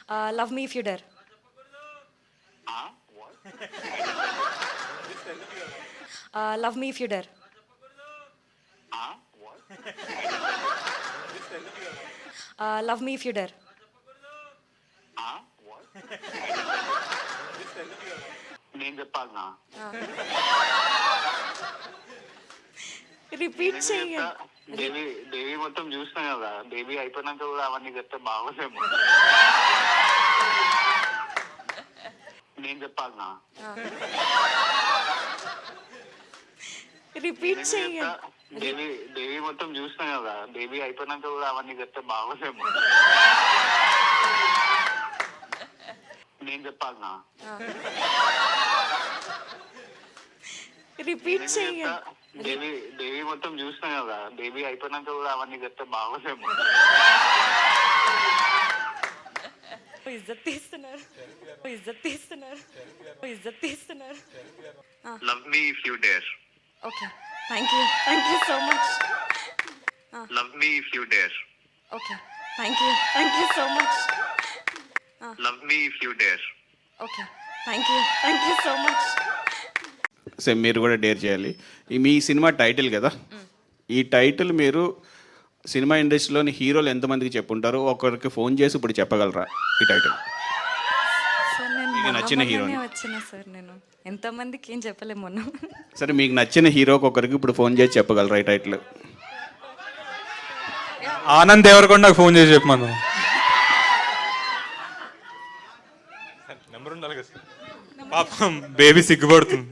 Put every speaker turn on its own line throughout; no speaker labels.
Love me if you dare. Love me if you dare. Love me if you dare.
నేను చెప్పాలనా?
Repeat చెయ్యండి.
దేవి మొత్తం చూసినా కదా, దేవి అయిపోయినాక కూడా అవన్నీ చెప్తే బాగోదేమో. నేను చెప్పాలనా?
రిపీట్ చెయ్యండి.
దేవి మొత్తం చూసినా కదా, దేవి అయిపోయినాక కూడా అవన్నీ చెప్తే బాగోదేమో. నేను చెప్పాలనా?
రిపీట్ చెయ్యండి.
దేవి మొత్తం చూసినా కదా, దేవి అయిపోయినాక కూడా అవన్నీ చెప్తే బాగోదేమో.
ఇజ్జత్ తీస్తున్నారు.
Love me if you dare.
Okay, thank you so much.
Love me if you dare.
Okay, thank you so much.
Love me if you dare.
Okay, thank you so much.
Same మీరు కూడా dare చేయాలి. మీ సినిమా title కదా, ఈ title మీరు cinema ఇండస్ట్రీలోని హీరోలు ఎంతమందికి చెప్పుంటారు? ఒకరికి ఫోన్ చేసి ఇప్పుడు చెప్పగలరా ఈ టైటిల్?
సార్ నేను
మీకు నచ్చిన హీరోని
వచ్చిన సార్, నేను ఎంతమందికి ఏం చెప్పలేము మొన్న.
సరే, మీకు నచ్చిన హీరోకి ఒకరికి ఇప్పుడు ఫోన్ చేసి చెప్పగలరా ఈ టైటిల్?
ఆనంద్ దేవరకొండకు ఫోన్ చేసి చెప్పమను. నెంబర్ ఉండాలి కదా సార్, పాపం బేబీ సిగ్గుపడుతుంది.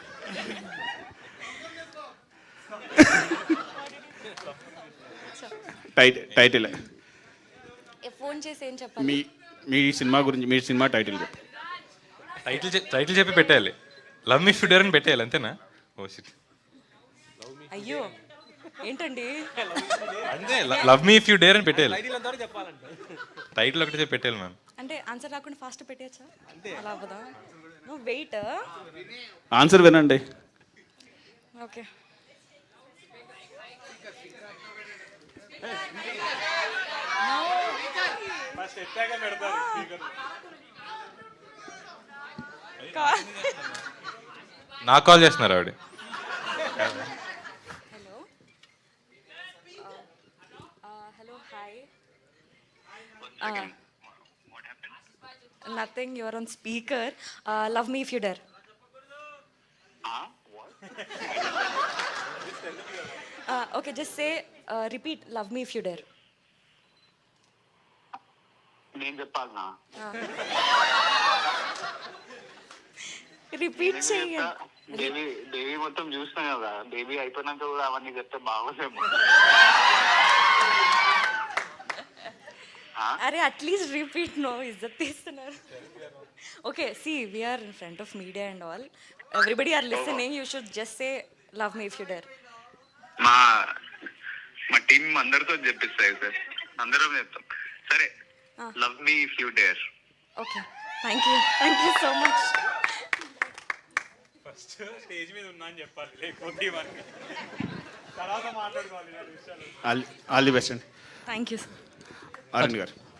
టైటిల్
ఫోన్ చేసి ఏం చెప్పాలి?
మీ సినిమా గురించి, మీ సినిమా టైటిల్ చెప్పు.
టైటిల్ చెప్పి పెట్టేయాలి. Love me if you dare అని పెట్టేయాలి, అంతేనా? Oh shit.
అయ్యో ఏంటండి,
అంతే, love me if you dare అని పెట్టేయాలి. టైటిల్ ఒకటి చెప్పి పెట్టేయాలి మ్యామ్.
అంటే ఆన్సర్ రాకుండా ఫాస్ట్ పెట్టేయచ్చా? అలా అవ్వదా? నువ్వు వెయిట్.
ఆన్సర్ వినండి.
ఓకే,
నాకు కాల్ చేస్తున్నారు ఆవిడ.
Hello hi. Nothing, you're on speaker. Love me if you dare. Okay, just say repeat love me if you dare.
నేను చెప్పాలనా?
రిపీట్ చెయ్యండి.
దేవి మొత్తం చూసినా కదా, దేవి అయిపోయినాక కూడా అవన్నీ చెప్తే బాగోదేమో.
అరే అట్లీస్ట్ రిపీట్. నో, ఇజ్జత్ తీస్తున్నారు. Okay, see we are in front of media and all, everybody are listening. You should just say love me if you dare.
మా టీం అందరితో చెప్పిస్తాయి సార్, అందరం చెప్తాం. సరే, love me if you dare.
Okay, thank you so much.
First stage మీద ఉన్నా అని చెప్పాలి, లేకపోతే తర్వాత మాట్లాడుకోవాలి.
ఆల్ ది బెస్ట్ అండి.
Thank you sir.
అరుణ్ గారు.